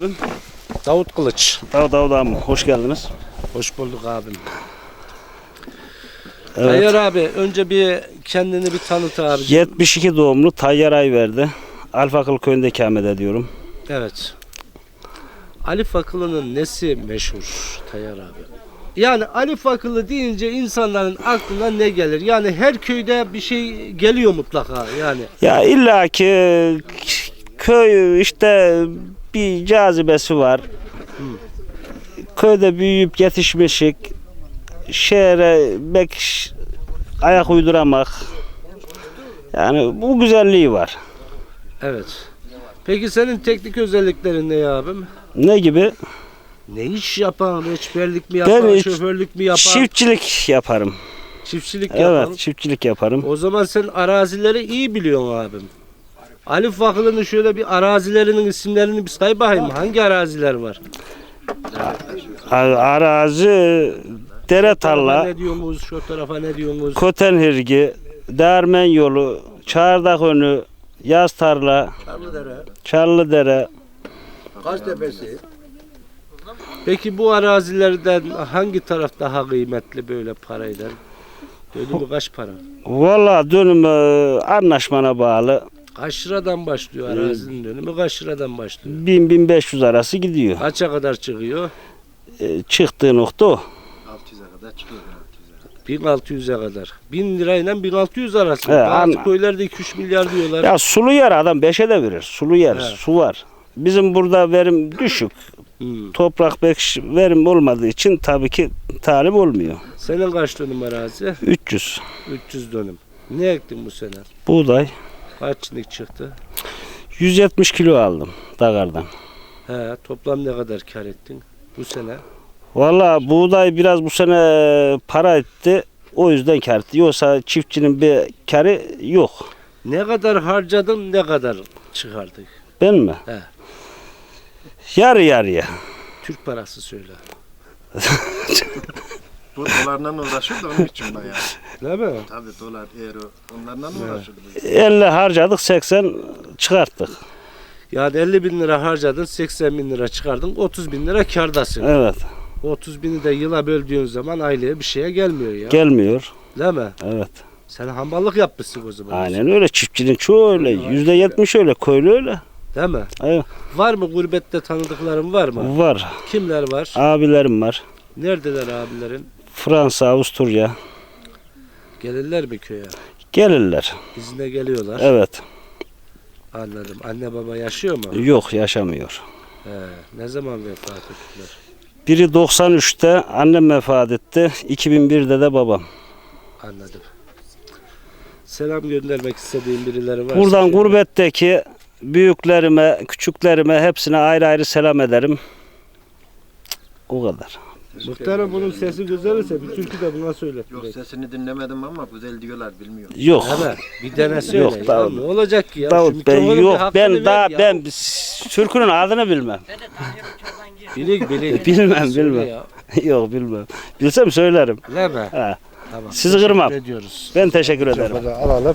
Davut Kılıç. Davut abi hoş geldiniz. Hoş bulduk abim. Evet. Tayyar abi önce bir kendini bir tanıt abi. 72 doğumlu Tayyar Ayverdi. Alfakıl köyünde ikamet ediyorum. Evet. Ali Fakılı'nın nesi meşhur Tayyar abi? Yani Ali Fakılı deyince insanların aklına ne gelir? Yani her köyde bir şey geliyor mutlaka yani. Ya illaki köy işte bir cazibesi var. Köyde büyüyüp yetişmişik. Şehre ayak uyduramak. Yani bu güzelliği var. Evet. Peki senin teknik özelliklerin ne abim? Ne gibi? Ne iş yapan? Reçberlik mi yapan? Ben Şoförlük mü yapan? çiftçilik yaparım. Çiftçilik yapan. Evet, çiftçilik yaparım. O zaman sen arazileri iyi biliyorsun abim. Ali Fakılı'nın şöyle bir arazilerinin isimlerini bir say bakayım. Hangi araziler var? Arazi, dere tarla, Ne diyorsunuz? Şu tarafa ne diyorsunuz? Kotenhirgi, Değirmen yolu, Çardak önü, Yaz tarla, Çarlıdere. Kaçtepesi. Peki bu arazilerden hangi taraf daha kıymetli böyle parayla? Dönümü kaç para? Valla dönüm anlaşmana bağlı. Kaç liradan başlıyor arazinin dönümü? Kaç liradan başlıyor? 1000-1500 arası gidiyor. Kaça kadar çıkıyor? Çıktığı nokta o. 600'e kadar çıkıyor. 1600'e kadar. 1000 lirayla 1600 arası. He, Bazı köylerde 2-3 milyar diyorlar. Ya sulu yer adam 5'e de verir. Sulu yer, He. su var. Bizim burada verim düşük. Hmm. Toprak pek verim olmadığı için tabii ki talip olmuyor. Senin kaç dönüm arazi? 300. 300 dönüm. Ne ektin bu sene? Buğday. Kaç çinik çıktı? 170 kilo aldım dagardan. He, toplam ne kadar kar ettin bu sene? Valla buğday biraz bu sene para etti. O yüzden kar etti. Yoksa çiftçinin bir karı yok. Ne kadar harcadın, ne kadar çıkardık? Ben mi? He. Yarı yarıya. Türk parası söyle. Bu dolarla uğraşıyor da onun için ben ya. Değil mi? Tabii dolar, euro onlarla uğraşıyor. 50 harcadık 80 çıkarttık. Yani 50 bin lira harcadın, 80 bin lira çıkardın, 30 bin lira kârdasın. Evet. 30 bini de yıla böldüğün zaman aileye bir şeye gelmiyor ya. Gelmiyor. Değil mi? Evet. Sen hamballık yapmışsın o zaman. Aynen öyle. Çiftçinin çoğu öyle. %70 öyle. Köylü öyle. Değil mi? Evet. Var mı gurbette tanıdıkların var mı? Var. Kimler var? Abilerim var. Neredeler abilerin? Fransa, Avusturya. Gelirler mi köye? Gelirler. İzine geliyorlar. Evet. Anladım. Anne baba yaşıyor mu? Yok yaşamıyor. He. Ne zaman vefat ettiler? Biri 93'te annem vefat etti. 2001'de de babam. Anladım. Selam göndermek istediğin birileri var. Buradan gurbetteki büyüklerime, küçüklerime hepsine ayrı ayrı selam ederim. O kadar. Muhtarım bunun sesi güzel ise bir türkü de buna söyle. Yok sesini dinlemedim ama güzel diyorlar bilmiyorum. Yok. Hemen bir dene söyle. Yok, ya. Davut. Ne olacak ki ya? Şu Davut ben mikrofonu bir yok. hakkını Ben ver daha ya. ben türkünün adını bilmem. Bilik. Bilmem Söyle bilmem. ya. Yok bilmem. Bilsem söylerim. Öyle mi? Ha. Tamam. Sizi kırmam. Teşekkür ediyoruz. Ben teşekkür ederim. Alalım.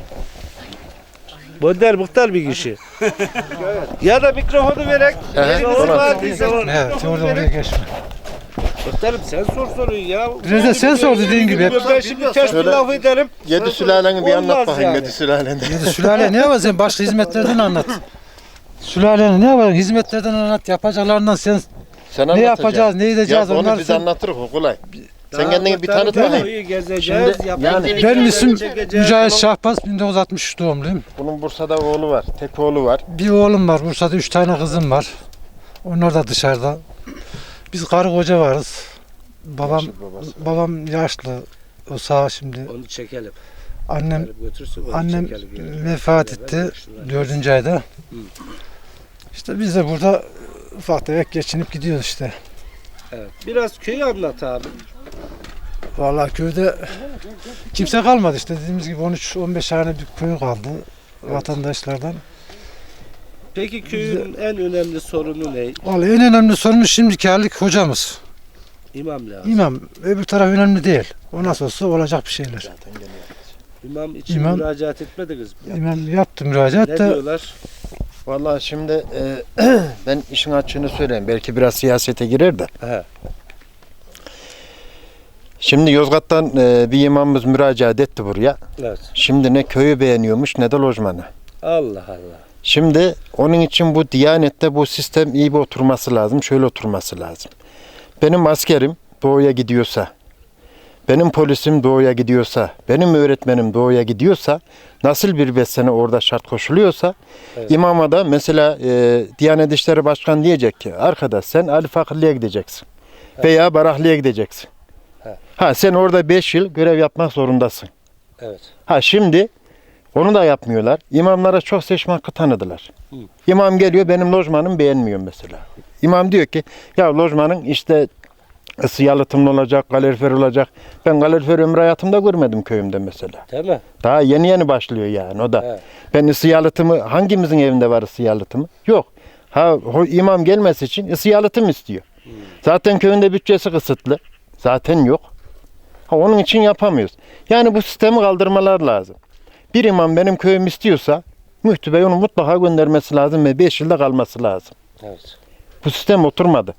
Bönder muhtar bir kişi. Ya da mikrofonu verek. Evet, orada oraya geçme. Muhtarım sen sor soruyu ya. Biraz da sen sor dediğin gibi. Ben şimdi ters bir laf ederim. Yedi sülaleni bir anlat Olmaz bakayım yani. yedi sülaleni. Sülale ne yapacaksın? Sen başka hizmetlerden anlat. Sülalenin ne yapacaksın? Hizmetlerden anlat. Yapacaklarından sen Sen ne yapacağız, ne edeceğiz Ya onu onlar biz sen... anlatırız o kolay. Sen kendini bir tanıt bakayım. Gezeceğiz. yani Benim isim Mücahit Şahbaz, 1963 doğumluyum. Bunun Bursa'da oğlu var. Tek oğlu var. Bir oğlum var, Bursa'da 3 tane kızım var. Onlar da dışarıda. Biz karı koca varız. Babam yaşlı. O sağ şimdi. Onu çekelim. Annem Götürsün, onu Annem çekelim. vefat etti 4. ayda. İşte biz de burada ufak tefek geçinip gidiyoruz işte. Evet. Biraz köyü anlat abi. Vallahi köyde kimse kalmadı işte dediğimiz gibi 13-15 tane bir köy kaldı vatandaşlardan. Peki köyün en önemli sorunu ne? Vallahi en önemli sorunumuz şimdiki halik hocamız. İmam lazım. İmam, öbür taraf önemli değil. O nasıl olsa olacak bir şeyler. İmam için İmam- müracaat etmediniz mi? İmam yaptı müracaat Ne da diyorlar? Vallahi şimdi ben işin açığını söyleyeyim. Belki biraz siyasete girer de. He. Şimdi Yozgat'tan bir imamımız müracaat etti buraya. Evet. Şimdi ne köyü beğeniyormuş ne de lojmanı. Allah Allah. Şimdi onun için bu Diyanet'te bu sistem iyi bir oturması lazım. Şöyle oturması lazım. Benim askerim doğuya gidiyorsa, benim polisim doğuya gidiyorsa, benim öğretmenim doğuya gidiyorsa, nasıl bir besene orada şart koşuluyorsa, Evet. imama da mesela Diyanet İşleri Başkanı diyecek ki, arkadaş sen Ali Fakirli'ye gideceksin veya Baraklı'ya gideceksin. Evet. Ha sen orada 5 yıl görev yapmak zorundasın. Evet. Ha şimdi onu da yapmıyorlar. İmamlara çok seçme hakkı tanıdılar. Hı. İmam geliyor benim lojmanım beğenmiyor mesela. İmam diyor ki ya lojmanın işte ısı yalıtımlı olacak, kalorifer olacak. Ben kalorifer ömrü hayatımda görmedim köyümde mesela. Değil mi? Daha yeni yeni başlıyor yani o da. Evet. Ben ısı yalıtımı hangimizin evinde var ısı yalıtımı? Yok. Ha imam gelmesi için ısı yalıtım istiyor. Zaten köyünde bütçesi kısıtlı. Zaten yok. Ha, onun için yapamıyoruz. Yani bu sistemi kaldırmalar lazım. Bir imam benim köyüm istiyorsa müftü bey onu mutlaka göndermesi lazım ve 5 yılda kalması lazım. Evet. Bu sistem oturmadı.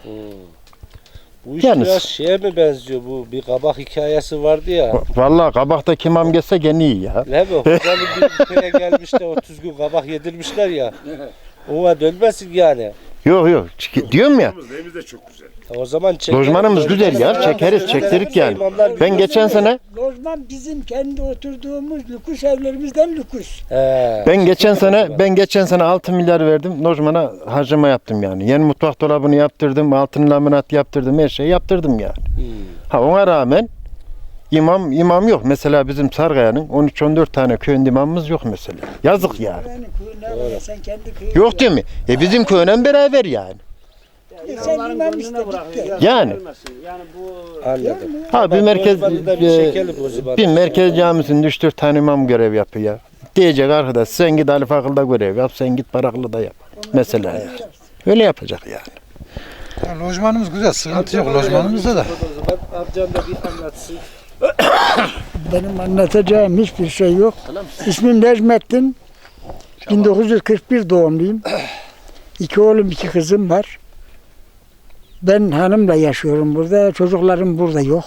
Bu iş Yalnız- biraz şeye mi benziyor, bu bir kabak hikayesi vardı ya. Vallahi kabaktaki imam gelse gene iyi ya. Ne bu? Hocanın bir köye gelmiş de 30 gün kabak yedirmişler ya. Ona dönmesin yani. Yok yok. Diyorum ya. Evimiz de çok güzel. O zaman çekeriz. Lojmanımız güzel ya. Çekeriz, çektirik yani. Ben geçen sene Lojman bizim kendi oturduğumuz lüks evlerimizden lüks. He. ben geçen sene 6 milyar verdim. Lojmana harcama yaptım yani. Yeni mutfak dolabını yaptırdım, altın laminat yaptırdım, her şeyi yaptırdım yani. Ha ona rağmen imam yok. Mesela bizim Sargaya'nın 13-14 tane köyün imamımız yok mesela. Yazık yani. Yani köyüne sen kendi köyüne. Yok değil mi? Bizim köyden beraber yani. Sen imam işte gitti. Yani. Anladım. Ha bir merkez Lojmanı da bir çekelim o zaman. bir merkez camisinde 3-4 tane imam görev yapıyor. Diyecek arkadaş sen git Ali Fakıl'da görev yap, sen git Baraklı'da yap. Mesela yani. Öyle yapacak yani. Ya, lojmanımız güzel, sıkıntı yok lojmanımızda da. O zaman amcam da bir anlatsın. Benim anlatacağım hiçbir şey yok. İsmim Necmettin. 1941 doğumluyum. 2 oğlum 2 kızım var. Ben hanımla yaşıyorum burada. Çocuklarım burada yok.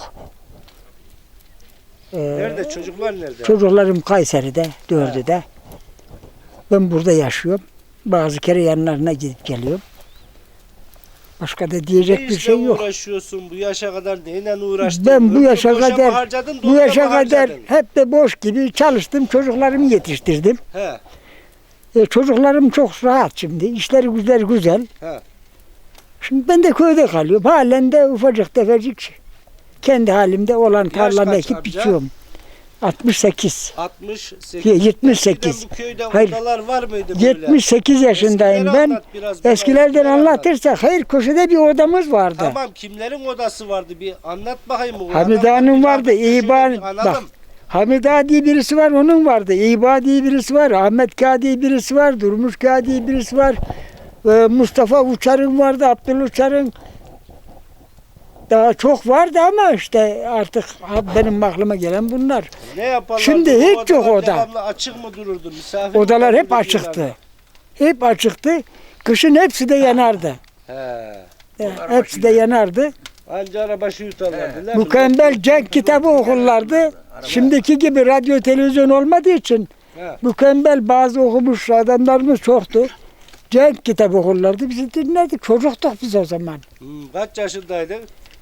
Nerede? Çocuklar nerede? Çocuklarım Kayseri'de, 4'ü de. Ben burada yaşıyorum. Bazı kere yanlarına gidip geliyorum. Başka da diyecek Ne bir işle şey yok. uğraşıyorsun? Bu yaşa kadar neyle uğraştın? Ben bu yaşa Boşa mı kadar harcadın, bu doğuya yaşa mı kadar harcadın? hep de boş gibi çalıştım. Çocuklarımı yetiştirdim. He. Çocuklarım çok rahat şimdi. İşleri güzel. He. Şimdi ben de köyde kalıyorum. Halen de ufacık tefecik kendi halimde olan tarlamı kaç ekip amca? biçiyorum. 68. 68. 78. Eskiden bu köyde Hayır. odalar var mıydı böyle? 78 yaşındayım Eskileri ben. anlat biraz bana, Eskilerden eskileri anlat. anlatırsak hayır köşede bir odamız vardı. Tamam, kimlerin odası vardı bir anlat bakayım. o Hamide adamlar Hanım bir vardı, anlat, İban- şöyle bir analım. bak. Hamid Ağa diye birisi var, onun vardı. İba diye birisi var, Ahmet Kağ diye birisi var, Durmuş Kağ diye birisi var. Mustafa Uçar'ın vardı, Abdül Uçar'ın. Daha çok vardı ama işte artık benim aklıma gelen bunlar. Ne yaparlardı? Şimdi Bu hiç yok odalar oda. devamlı açık mı dururdu? Misafir Odalar mi hep gelirdi açıktı. diyorlardı? Hep açıktı. Kışın hepsi de yanardı. He. Hepsi de yanardı. Anca arabaşı yutarlardı. değil mi? Mükemmel cenk kitabı okurlardı. Şimdiki gibi radyo televizyon olmadığı için He. mükemmel bazı okumuş adamlarımız çoktu. Cenk kitabı okurlardı. Bizi dinledik. Çocuktuk biz o zaman. Kaç yaşındaydın?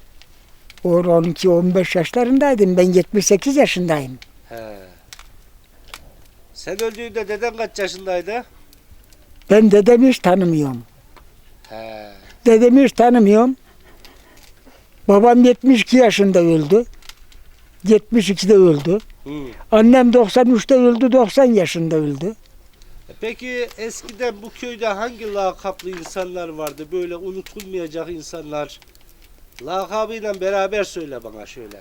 12-15 yaşlarındaydım. Ben 78 yaşındayım. He. Sen öldüğünde deden kaç yaşındaydı? Ben dedemi hiç tanımıyorum. He. Dedemi hiç tanımıyorum. Babam 72 yaşında öldü. 72'de öldü. Hı. Annem 93'te öldü, 90 yaşında öldü. Peki eskiden bu köyde hangi lakaplı insanlar vardı? Böyle unutulmayacak insanlar. Lakabıyla beraber söyle bana şöyle.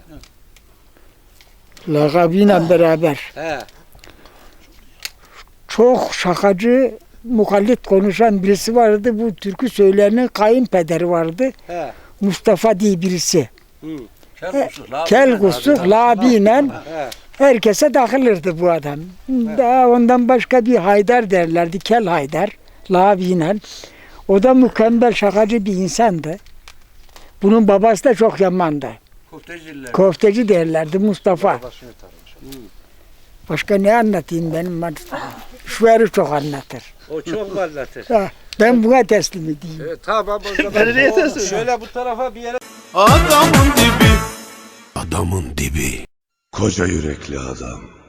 Lakabıyla beraber. He. Çok şakacı, mukallit konuşan birisi vardı. Bu türkü söyleyenin kayınpederi vardı. He. Mustafa diye birisi. Hı. Kel kusuk, labiyle He. herkese takılırdı bu adam. Daha ondan başka bir Haydar derlerdi, Kel Haydar. Lavi'yle. O da mükemmel şakacı bir insandı. Bunun babası da çok yamandı. Köfteci derlerdi Mustafa. Başka ne anlatayım benim? Şu eri çok anlatır. O çok anlatır. Ha, ben buna teslim edeyim. Tamam o zaman. Şöyle bu tarafa bir yere. Adamın dibi. Adamın dibi. Koca yürekli adam.